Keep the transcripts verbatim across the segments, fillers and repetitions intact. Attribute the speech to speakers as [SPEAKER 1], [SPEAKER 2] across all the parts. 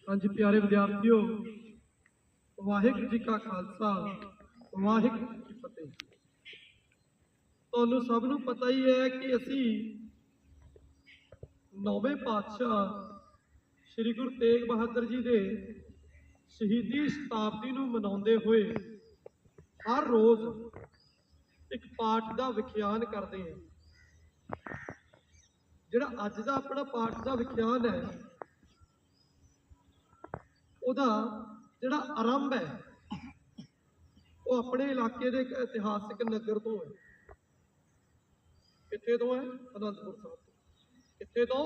[SPEAKER 1] हाँ जी प्यारे विद्यार्थियों, वाहिगुरू जी का खालसा वाहिगुरू जी की फतेह। ਤੁਹਾਨੂੰ ਸਭ ਨੂੰ ਪਤਾ ਹੀ ਹੈ ਕਿ ਅਸੀਂ ਨੌਵੇਂ ਪਾਤਸ਼ਾਹ ਸ੍ਰੀ ਗੁਰੂ ਤੇਗ ਬਹਾਦਰ ਜੀ ਦੇ ਸ਼ਹੀਦੀ ਸ਼ਤਾਬਦੀ ਨੂੰ ਮਨਾਉਂਦੇ ਹੋਏ ਹਰ ਰੋਜ਼ ਇੱਕ ਪਾਠ ਦਾ ਵਿਖਿਆਨ ਕਰਦੇ ਹਾਂ। ਜਿਹੜਾ ਅੱਜ ਦਾ ਆਪਣਾ ਪਾਠ ਦਾ ਵਿਖਿਆਨ ਹੈ ਉਹਦਾ ਜਿਹੜਾ ਆਰੰਭ ਹੈ ਉਹ ਆਪਣੇ ਇਲਾਕੇ ਦੇ ਇੱਕ ਇਤਿਹਾਸਿਕ ਨਗਰ ਤੋਂ ਹੈ। ਕਿੱਥੇ ਤੋਂ ਹੈ? ਅਨੰਦਪੁਰ ਸਾਹਿਬ ਤੋਂ। ਕਿੱਥੇ ਤੋਂ?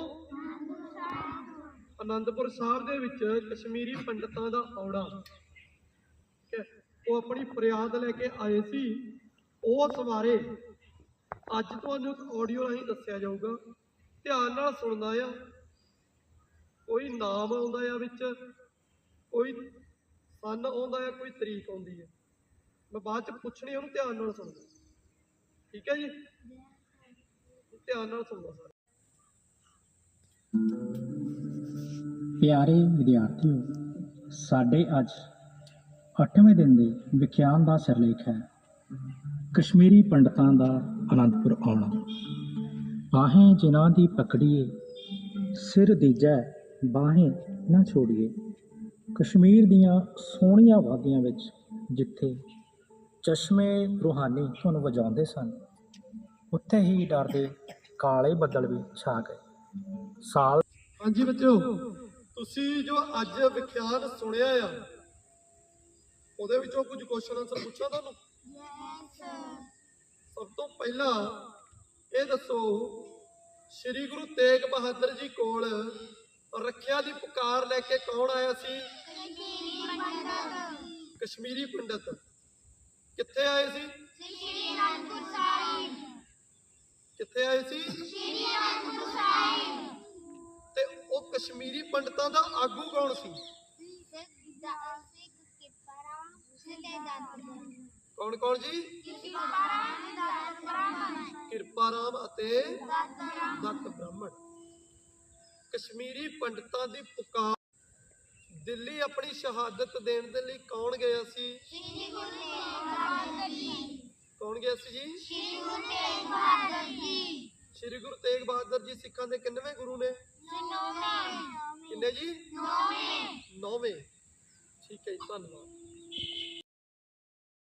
[SPEAKER 1] ਅਨੰਦਪੁਰ ਸਾਹਿਬ ਦੇ ਵਿੱਚ ਕਸ਼ਮੀਰੀ ਪੰਡਤਾਂ ਦਾ ਆਉਣਾ, ਠੀਕ ਹੈ, ਉਹ ਆਪਣੀ ਫਰਿਆਦ ਲੈ ਕੇ ਆਏ ਸੀ। ਉਸ ਬਾਰੇ ਅੱਜ ਤੁਹਾਨੂੰ ਇੱਕ ਆਡੀਓ ਰਾਹੀਂ ਦੱਸਿਆ ਜਾਊਗਾ, ਧਿਆਨ ਨਾਲ ਸੁਣਨਾ ਆ। ਕੋਈ ਨਾਮ ਆਉਂਦਾ ਆ ਵਿੱਚ, ਕੋਈ ਸੰਨ ਆਉਂਦਾ ਹੈ, ਕੋਈ ਤਰੀਕ ਆਉਂਦੀ ਹੈ। ਮੈਂ ਬਾਅਦ ਚ ਪੁੱਛਣੀ, ਉਹਨੂੰ ਧਿਆਨ ਨਾਲ ਸੁਣਨਾ, ਠੀਕ ਹੈ ਜੀ? ਧਿਆਨ ਨਾਲ ਸੁਣਨਾ ਸਾਰੇ।
[SPEAKER 2] ਪਿਆਰੇ ਵਿਦਿਆਰਥੀਓ, ਸਾਡੇ ਅੱਜ ਅੱਠਵੇਂ ਦਿਨ ਦੇ ਵਿਖਿਆਨ ਦਾ ਸਿਰਲੇਖ ਹੈ ਕਸ਼ਮੀਰੀ ਪੰਡਤਾਂ ਦਾ ਅਨੰਦਪੁਰ ਆਉਣਾ। ਆਹੇ ਜਿਨ੍ਹਾਂ ਦੀ ਪਕੜੀਏ, ਸਿਰ ਦੀਜੈ ਬਾਹੇ ਨਾ ਛੋੜੀਏ। ਕਸ਼ਮੀਰ ਦੀਆਂ ਸੋਹਣੀਆਂ ਵਾਦੀਆਂ ਵਿੱਚ ਜਿੱਥੇ ਚਸ਼ਮੇ ਰੂਹਾਨੀ ਧੁਨ ਵਜਾਉਂਦੇ ਸਨ, ਉੱਥੇ ਹੀ ਡਰ ਦੇ ਕਾਲੇ ਬੱਦਲ ਵੀ ਛਾ ਗਏ। ਸਾਲ
[SPEAKER 1] ਹਾਂਜੀ ਬੱਚਿਓ, ਤੁਸੀਂ ਜੋ ਅੱਜ ਵਿਖਿਆਨ ਸੁਣਿਆ ਆ ਉਹਦੇ ਵਿੱਚੋਂ ਕੁਝ ਕੁਐਸਚਨ ਆਨਸਰ ਪੁੱਛਾਂ ਤੁਹਾਨੂੰ? ਸਭ ਤੋਂ ਪਹਿਲਾਂ ਇਹ ਦੱਸੋ, ਸ੍ਰੀ ਗੁਰੂ ਤੇਗ ਬਹਾਦਰ ਜੀ ਕੋਲ ਰੱਖਿਆ ਦੀ ਪੁਕਾਰ ਲੈ ਕੇ ਕੌਣ ਆਇਆ ਸੀ? ਕਸ਼ਮੀਰੀ ਪੰਡਤ। ਕਿੱਥੇ ਆਏ ਸੀ?
[SPEAKER 3] ਸ਼੍ਰੀ ਅਨੰਦਪੁਰ ਸਾਹਿਬ।
[SPEAKER 1] ਕਿੱਥੇ ਆਏ ਸੀ?
[SPEAKER 3] ਸ਼੍ਰੀ ਅਨੰਦਪੁਰ ਸਾਹਿਬ।
[SPEAKER 1] ਤੇ ਉਹ ਕਸ਼ਮੀਰੀ ਪੰਡਤਾਂ ਦਾ ਆਗੂ ਕੌਣ ਸੀ? ਕੌਣ ਕੌਣ ਜੀ? ਕਿਰਪਾ ਰਾਮ ਅਤੇ ਦਤ ਬ੍ਰਾਹਮਣ। ਕਸ਼ਮੀਰੀ ਪੰਡਤਾਂ ਦੀ ਪੁਕਾਰ ਦਿੱਲੀ ਆਪਣੀ ਸ਼ਹਾਦਤ ਦੇਣ ਦੇ ਲਈ ਕੌਣ ਗਿਆ ਸੀ?
[SPEAKER 3] ਸ਼੍ਰੀ ਗੁਰੂ ਤੇਗ ਬਹਾਦਰ ਜੀ।
[SPEAKER 1] ਕੌਣ ਗਿਆ ਸੀ ਜੀ?
[SPEAKER 3] ਸ਼੍ਰੀ ਗੁਰੂ ਤੇਗ ਬਹਾਦਰ ਜੀ।
[SPEAKER 1] ਸ਼੍ਰੀ ਗੁਰੂ ਤੇਗ ਬਹਾਦਰ ਜੀ ਸਿੱਖਾਂ ਦੇ ਕਿੰਨਵੇਂ ਗੁਰੂ ਨੇ?
[SPEAKER 3] ਨੌਵੇਂ।
[SPEAKER 1] ਕਿੰਨੇ ਜੀ?
[SPEAKER 3] ਨੌਵੇਂ।
[SPEAKER 1] ਨੌਵੇਂ। ਠੀਕ ਹੈ ਜੀ, ਧੰਨਵਾਦ।